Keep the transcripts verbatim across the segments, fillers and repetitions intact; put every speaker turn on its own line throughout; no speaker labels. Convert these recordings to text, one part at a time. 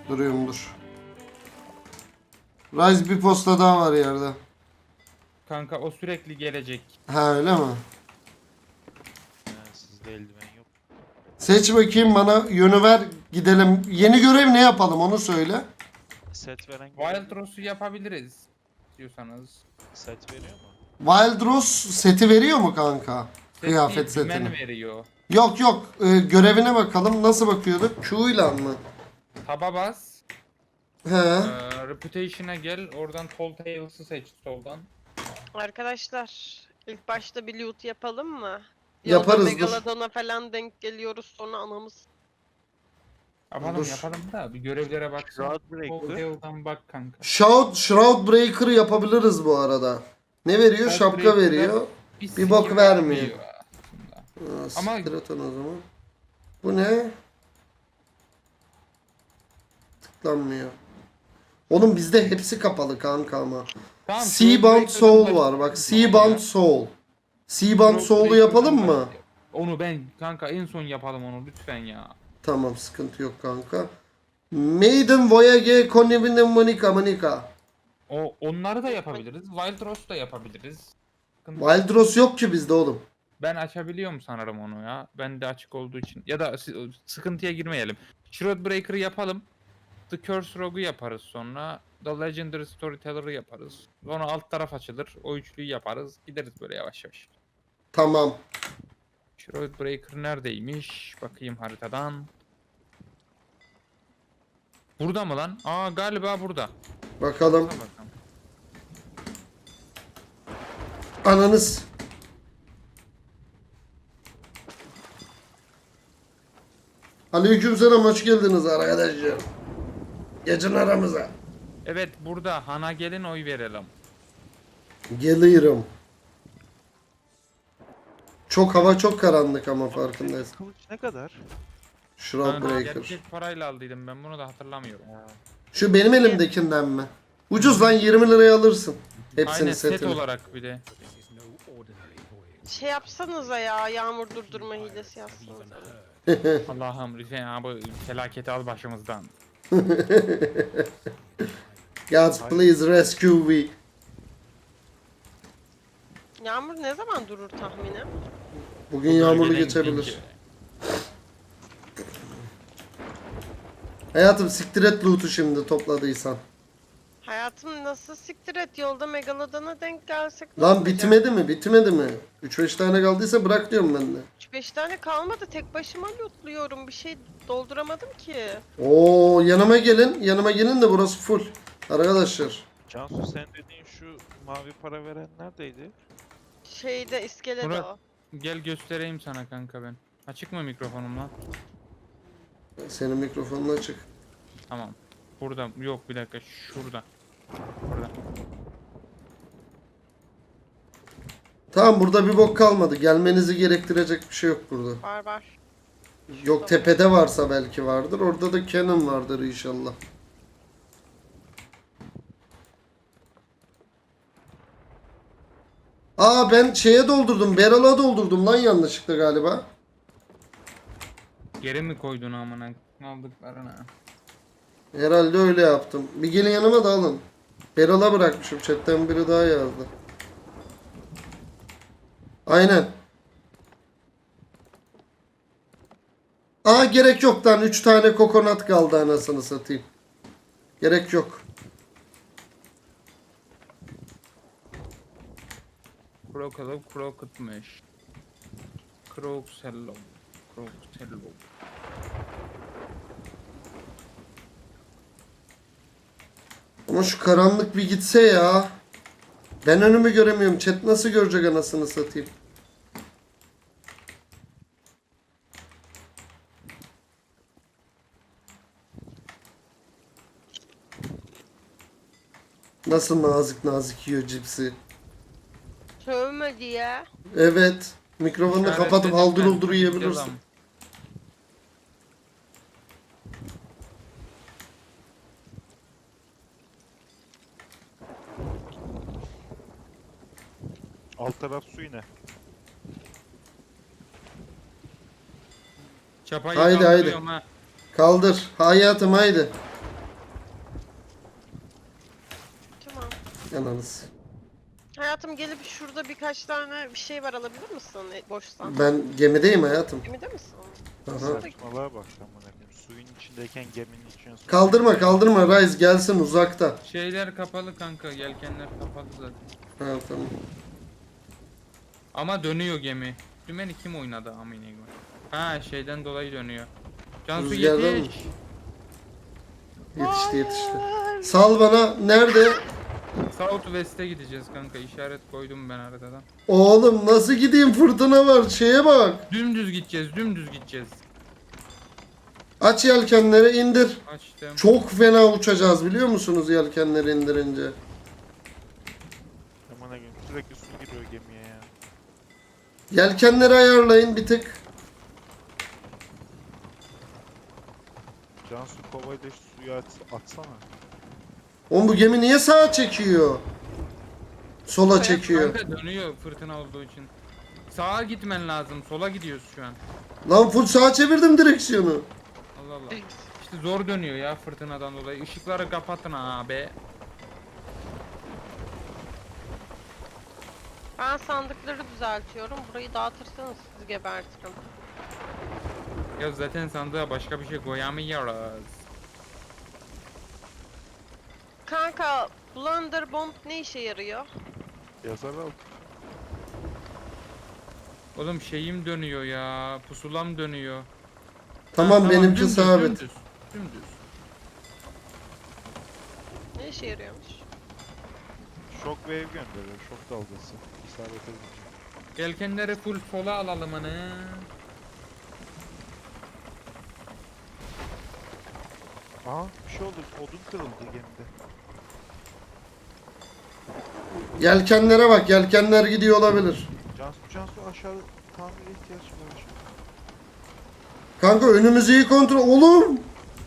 Duruyorum dur. Rise bir posta daha var yerde.
Kanka o sürekli gelecek.
Ha öyle mi?
He, sizde eldiven yok.
Seç bakayım bana yönü ver gidelim. Yeni görev ne yapalım onu söyle.
Set veren
Wild
görev-
Rose'u yapabiliriz. Diyorsanız.
set veriyor mu?
Wild Rose seti veriyor mu kanka?
Set
Kıyafet
değil, dümen
setini.
veriyor.
Yok yok e, görevine bakalım nasıl bakıyorduk? Q ile mı?
Taba bas.
He.
Ee, Reputation'a gel. Oradan Tall Tales'ı seç soldan.
Arkadaşlar ilk başta bir loot yapalım mı?
Yaparız,
Yolda
dur.
Megalodon'a falan denk geliyoruz sonra anamız.
Yapalım
Dur.
yapalım da bir görevlere baksın.
Shroud
Tall
Breaker.
Tales'dan bak kanka.
Shroud, Shroud Breaker yapabiliriz bu arada. Ne veriyor?
Shroud
Şapka
Breaker'da
veriyor. Bir
skill
bok vermiyor.
aslında.
Aa,
Ama-
siktir et onu o zaman. Bu ne? Tıklanmıyor. Oğlum bizde hepsi kapalı kanka ama.
Tamam,
Seabound
Shroud
Soul
Breaker'dan
var bak.
başlayalım
Seabound
ya.
Soul. Seabound
Shroud
Soul'u
Breaker'dan
yapalım mı?
başlayalım. Onu ben kanka en son yapalım onu lütfen ya.
Tamam sıkıntı yok kanka. Maiden Voyage Conivine Monica Monica.
O onları da yapabiliriz. Wild Rose da yapabiliriz. Sıkıntı-
Wild Rose yok ki bizde oğlum.
Ben açabiliyorum sanırım onu ya. Ben de açık olduğu için. Ya da sı- sıkıntıya girmeyelim. Shroud Breaker'ı yapalım. The Curse Rogue'u yaparız sonra. The Legendary Storyteller'ı yaparız. Sonra alt taraf açılır. O üçlüyü yaparız. Gideriz böyle yavaş yavaş.
Tamam.
Shroud Breaker neredeymiş? Bakayım haritadan. Burada mı lan? Aa galiba burada.
Bakalım.
Bakalım. bakalım.
Ananız. Aleykümselam hoş geldiniz arkadaşlar. Geçin aramıza.
Evet burada. Hana gelin oy verelim.
Geliyorum. Çok hava çok karanlık ama farkındayız.
Kılıç ne kadar?
Shroud
Kanka,
Breaker.
gerçek parayla aldıydım ben bunu da hatırlamıyorum.
Şu benim elimdekinden mi? Ucuz lan yirmi liraya alırsın. Hepsini
Aynen set
setini.
olarak bir de.
Şey yapsanıza ya yağmur durdurma hilesi yapsanıza.
Allah'ım lütfen ya bu felaketi al başımızdan.
God please rescue me.
Yağmur ne zaman durur tahminen?
Bugün yağmurlu
Bölgeden
geçebilir.
gidince.
Hayatım siktir et loot'u şimdi topladıysan.
Hayatım nasıl siktir et yolda Megalodon'a denk gelsek ne
Lan
olacak?
bitmedi mi? Bitmedi mi? üç beş tane kaldıysa bırak diyorum ben de.
üç beş tane kalmadı tek başıma lootluyorum bir şey dolduramadım ki.
Oo yanıma gelin. Yanıma gelin de burası full. Arkadaşlar.
Cansu sen dediğin şu mavi para veren neredeydi?
Şeyde iskelede
Murat.
o.
Gel göstereyim sana kanka ben. Açık mı mikrofonum lan?
Senin mikrofonun açık.
Tamam. Burada yok bir dakika şurada. Burada.
Tamam burada bir bok kalmadı. Gelmenizi gerektirecek bir şey yok burada.
Var var.
Yok tepede varsa belki vardır. Orada da Canon vardır inşallah. Aa ben şeye doldurdum. Barrel'a doldurdum lan yanlışlıkla galiba.
Geri mi koydun amına aldıklarına?
Herhalde öyle yaptım. Bir gelin yanıma da alın. Barrel'a bırakmışım. Chatten biri daha yazdı. Aynen. Aa gerek yok lan. üç tane kokonat kaldı anasını satayım. Gerek yok.
Krokalov krokutmuş. Kroksello. Kroksello.
Ama şu karanlık bir gitse ya. Ben önümü göremiyorum. Chat nasıl görecek anasını satayım. Nasıl nazik nazik yiyor cipsi.
Sövme diye.
Evet. Mikrofonu da kapatıp
İşaretledim
haldır
ben.
huldur yiyebilirsin.
Devam.
Alt taraf su yine.
Çapayı
Haydi,
kaldırıyorum ha.
Kaldır. Hayatım haydi. Yanınız.
Hayatım gelip şurada birkaç tane bir şey var, alabilir misin e, boşsan?
Ben gemideyim hayatım.
Gemide misin?
Aha.
Saçmalığa bak amına koyayım. Suyun içindeyken geminin içine su.
Kaldırma kaldırma Rise gelsin uzakta.
Şeyler kapalı kanka, yelkenler kapalı zaten.
Ha tamam.
Ama dönüyor gemi. Dümeni kim oynadı amine koyayım? Ha şeyden dolayı dönüyor. Cansu
Rüzgardan mı?
yetiş.
Yetişti yetişti. Sal bana nerede?
South West'e gideceğiz kanka. İşaret koydum ben haritadan.
Oğlum nasıl gideyim, fırtına var, şeye bak.
Dümdüz gideceğiz, dümdüz gideceğiz.
Aç yelkenleri indir.
Açtım.
Çok fena uçacağız biliyor musunuz yelkenleri indirince.
Amına koyayım sürekli su giriyor gemiye ya.
Yelkenleri ayarlayın bir tık.
Cansu kovayı da şu suya at, atsana.
Oğlum bu gemi niye sağa çekiyor? Sola çekiyor.
Kanka dönüyor fırtına olduğu için. Sağa gitmen lazım. Sola gidiyoruz şu an.
Lan full sağa çevirdim direksiyonu.
Allah Allah. İşte zor dönüyor ya fırtınadan dolayı. Işıkları kapatın abi.
Ben sandıkları düzeltiyorum. Burayı dağıtırsanız sizi gebertirim.
Ya zaten sandığa başka bir şey koyamıyoruz.
Kanka, Blunder Bomb ne işe yarıyor?
Yazar al.
Oğlum şeyim dönüyor ya. Pusulam dönüyor.
Tamam,
Ha,
benimki
dümdüz,
sabit.
Dümdüz. Dümdüz.
Ne işe yarıyormuş?
Shockwave gönderiyor. Şok dalgası. İsabet edince.
Yelkenleri full sola alalım hani.
Aha bir şey oldu. Odun kırıldı gemide.
Yelkenlere bak, yelkenler gidiyor olabilir.
Cansu Cansu aşağı tamire ihtiyaç var.
Kanka önümüzü iyi kontrol. Oğlum.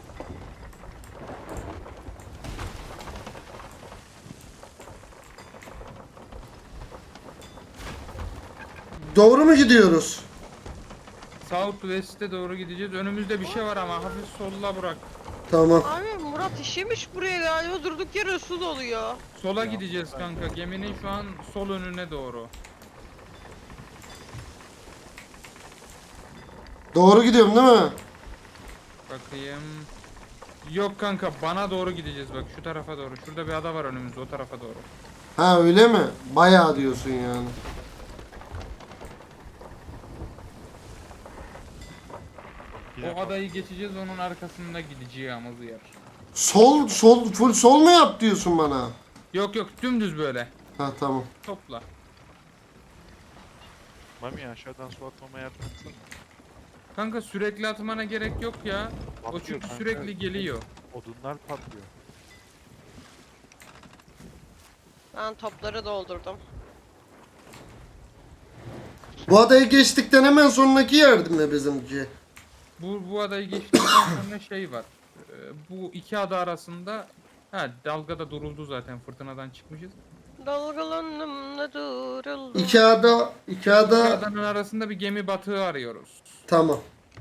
Doğru mu gidiyoruz?
South West'e doğru gideceğiz. Önümüzde bir şey var ama hafif solla bırak.
Tamam.
Abi Murat işemiş buraya galiba, durduk yere su doluyor.
Sola gideceğiz kanka. Geminin şu an sol önüne doğru.
Doğru gidiyorum değil mi?
Bakayım. Yok kanka bana doğru gideceğiz bak şu tarafa doğru. Şurada bir ada var önümüzde o tarafa doğru.
Ha öyle mi? Bayağı diyorsun yani.
Bir
O
dakika.
adayı geçeceğiz onun arkasında gideceğimiz yer.
Sol, sol, full sol mu yap diyorsun bana?
Yok yok dümdüz böyle.
Ha tamam.
Topla.
Mami aşağıdan su atmama yardım etsene.
Kanka sürekli atmana gerek yok ya. O
Patlıyor
çünkü
kanka.
sürekli geliyor.
Odunlar patlıyor.
Ben topları doldurdum.
Bu adayı geçtikten hemen sonraki yerdi mi bizimki?
Bu, bu adayı geçtikten sonra şey var. Ee, bu iki ada arasında ha dalgada duruldu zaten fırtınadan çıkmışız.
Dalgalandım da duruldum.
İki ada, iki
İki
ada.
adanın arasında bir gemi batığı arıyoruz.
Tamam.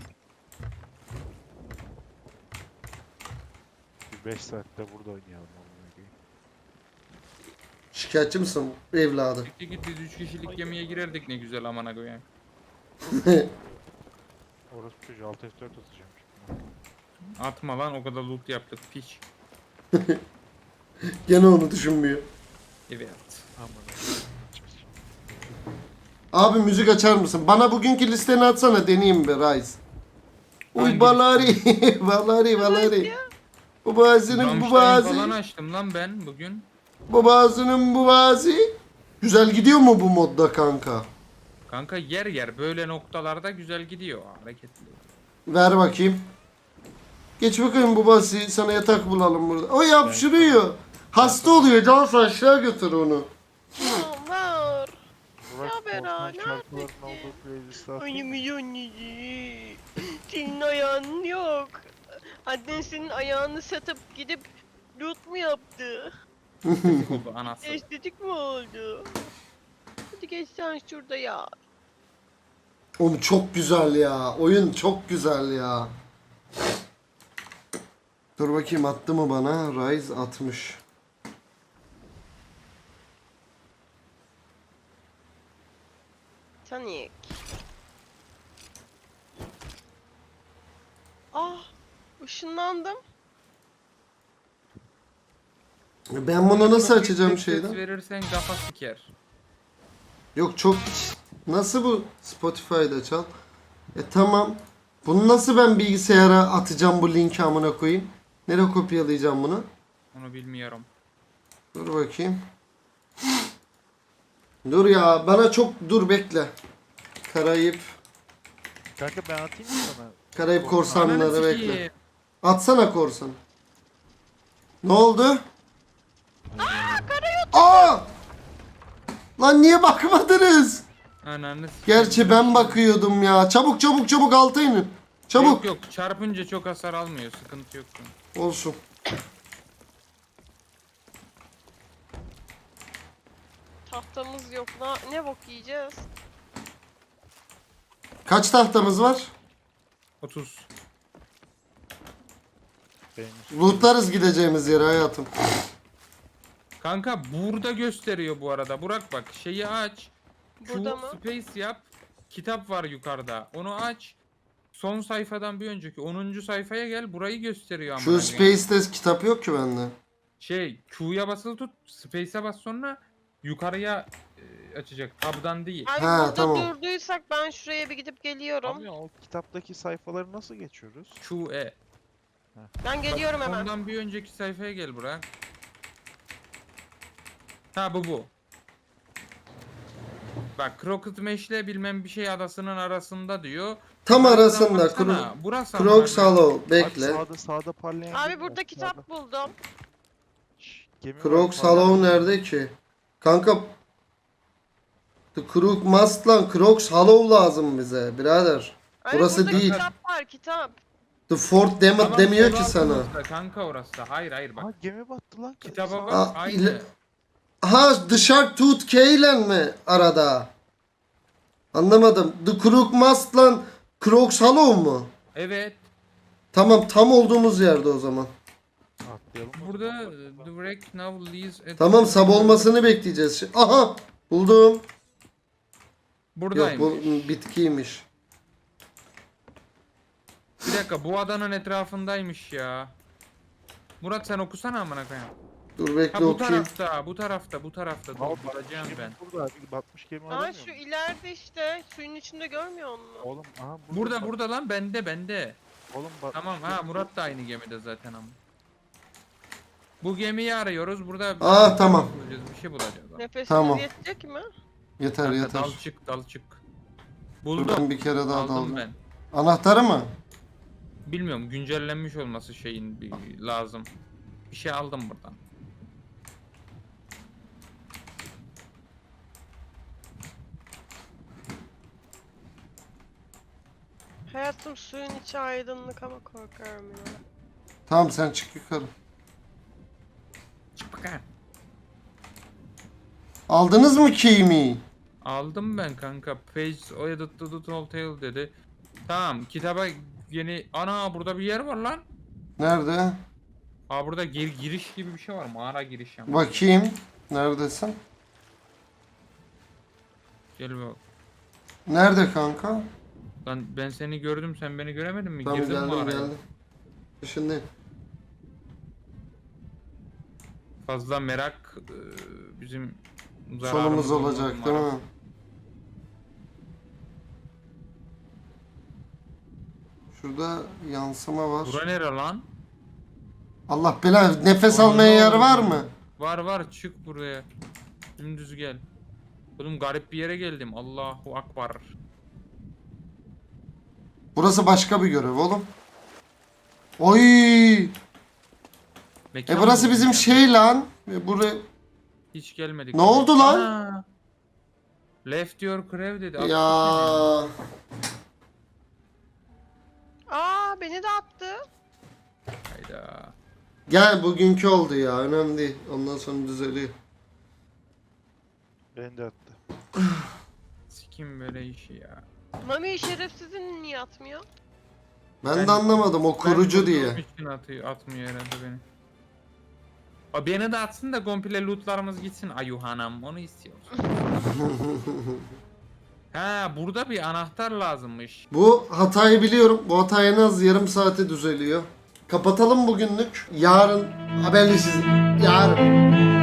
Bir beş saatte burada oynayalım. amına koyayım.
Şikayetçi misin evladı?
Peki git biz üç kişilik gemiye girerdik ne güzel amana koyayım.
Orası çocuğu alt F dört atacağım şimdi.
Atma lan o kadar loot yaptık piç.
Gene onu düşünmüyor.
Evet.
Amına.
Abi müzik açar mısın? Bana bugünkü listeni atsana, deneyeyim be Rise. Uy
Hangi
balari, balari, balari. Bu bazının bu
Rammstein
bazı,
falan açtım lan ben bugün.
bu bazının bu bazı. Güzel gidiyor mu bu modda kanka?
Kanka yer yer böyle noktalarda güzel gidiyor hareketli.
Ver bakayım. Geç bakayım bu bazı, sana yatak bulalım burada. O yapşırıyor. Hasta oluyor, Cansu aşağı götür onu.
Var.
Burak
Ya Bera,
Osman şarkıların
neredesin?
olduğu playlist'e atayım.
Ay milyonları. Senin ayağın yok. Annen senin ayağını satıp gidip loot mu yaptı?
Oldu anası.
Estetik mi oldu? Hadi geç sen şurada ya.
Oğlum çok güzel ya. Oyun çok güzel ya. Dur bakayım attı mı bana? Rise atmış.
Sonic. Ah, ışınlandım.
Ben bunu nasıl
Çok
açacağım
yüksek ses
şeyden?
verirsen kafa siker.
Yok çok... Nasıl bu Spotify'da çal? E tamam. Bunu nasıl ben bilgisayara atacağım bu linki amına koyayım? Nereye kopyalayacağım bunu?
Onu bilmiyorum.
Dur bakayım. Dur ya bana çok dur bekle. Karayip.
Kanka ben atayım mı sana?
Karayip korsanları
Ananı
bekle.
sikeyim.
Atsana korsan. Ne oldu? Aa! Lan niye bakmadınız?
Ananı sikeyim.
Gerçi ben bakıyordum ya. Çabuk çabuk çabuk alta inin. Çabuk.
Yok yok çarpınca çok hasar almıyor. Sıkıntı yok.
Olsun.
Tahtamız yok. Na ne bok yiyeceğiz?
Kaç tahtamız var?
otuz.
Benim
Lootlarız gideceğimiz yere hayatım.
Kanka burada gösteriyor bu arada. Burak bak şeyi aç.
Burada
Q
mı?
space yap. Kitap var yukarıda. Onu aç. Son sayfadan bir önceki onuncu sayfaya gel. Burayı gösteriyor ama.
Şu Space'te kitap yok ki bende.
Şey Q'ya basılı tut. Space'e bas sonra yukarıya e, açacak. Tab'dan değil.
Abi
Ha,
burada
tamam.
durduysak ben şuraya bir gidip geliyorum.
Abi o kitaptaki sayfaları nasıl geçiyoruz?
Q E.
Ben geliyorum hemen.
Ondan bir önceki sayfaya gel Burak. Ha bu bu. Bak Crooked Mesh'le bilmem bir şey adasının arasında diyor.
Tam
Buradan
arasında.
baksana,
Kro-
Burası
Crocs
amına koyayım.
Hollow. Bekle.
Bak sağda sağda parlayan
Abi
gemi
burada
var,
kitap
sağda.
buldum.
Şşş, gemi var,
Crocs
parlayan
Hollow
gemi.
nerede ki? Kanka The Crook Must lan Crocs Hollow lazım bize birader.
Abi
Burası
burada
değil.
kitap var kitap.
The Fort Damned
Tamam,
demiyor
sol
ki sana.
altımızda Kanka orası. Hayır hayır bak.
Aa gemi battı lan.
Kitaba
Sağ-
bak.
Aa,
Aynı.
ile- Ha The Shark Tooth K ile mi arada? Anlamadım. The Crook Must lan Crocs Hollow mu?
Evet.
Tamam tam olduğumuz yerde o zaman.
Atlayalım o
Burada
zaman.
e, the wreck now leaves at-
Tamam sab olmasını bekleyeceğiz. Şi- Aha buldum. Yok
Buradayım.
bu bitkiymiş.
Bir dakika bu adanın etrafındaymış ya. Murat sen okusana amına koyayım.
Dur
Ha
bekle
bu
okuyayım.
tarafta, bu tarafta, bu tarafta. Dur
Aa, batmış
bulacağım
gemi
ben.
Burada abi batmış gemi
Aa
aramıyor
şu
musun?
ileride işte suyun içinde görmüyor musun?
Oğlum aha burada.
Burada
bat-
burada lan bende bende.
Oğlum batmış
Tamam ha
gemi
Murat da aynı gemide zaten ama. Bu gemiyi arıyoruz. Burada bir
Aa,
şey
tamam.
bulacağız, bir şey bulacağız. abi.
Nefesiniz
Tamam.
yetecek mi?
Yeter
Kanka,
yeter.
Dal çık, dal çık.
Dur
Buldum.
ben bir kere daha
Aldım
daldım.
ben.
Anahtarı mı?
Bilmiyorum güncellenmiş olması şeyin bir lazım. Bir şey aldım buradan.
Hayatım suyun içi aydınlık ama korkarım ya.
Tamam sen çık yukarı.
Çık bakalım.
Aldınız mı keymi?
Aldım ben kanka. Page Edit the Tall Tale dedi. Tamam kitaba yeni... Ana burada bir yer var lan.
Nerede?
Aa burada gir giriş gibi bir şey var. Mağara giriş yani.
Bakayım. Neredesin?
Gel bak.
Nerede kanka?
Lan ben seni gördüm sen beni göremedin mi?
Tamam
Girdin
geldim
mağaraya.
geldim. Şimdi
Fazla merak e, bizim
sonumuz
zararımız
olacak
olmaz
değil
umarım.
mi? Şurada yansıma var.
Bura nere lan?
Allah bela nefes
Aman
almaya yer
Allah'ım.
var mı?
Var var çık buraya. Dümdüz gel. Oğlum garip bir yere geldim. Allahu Akbar.
Burası başka bir görev oğlum. Oy!
Mekan
E burası
mı
bizim
ya?
şey lan. E buraya
Hiç gelmedik.
Ne oldu lan?
Ana! Left your crew dedi. Attı
ya
Aa beni de attı.
seni. Hayda.
gel bugünkü oldu ya önemli değil. Ondan sonra düzeliyor.
Beni de attı.
Sikim böyle işi ya.
Mami şerefsizin niye atmıyor?
Ben,
Ben-
de anlamadım o kurucu
Ben
diye.
kurduğum için atıyor, atmıyor herhalde beni. O beni de atsın da komple lootlarımız gitsin Ayuhanam. Onu istiyoruz. Ha burada bir anahtar lazımmış.
Bu hatayı biliyorum. Bu hata en az yarım saate düzeliyor. Kapatalım bugünlük. Yarın haberleşiriz. Yarın.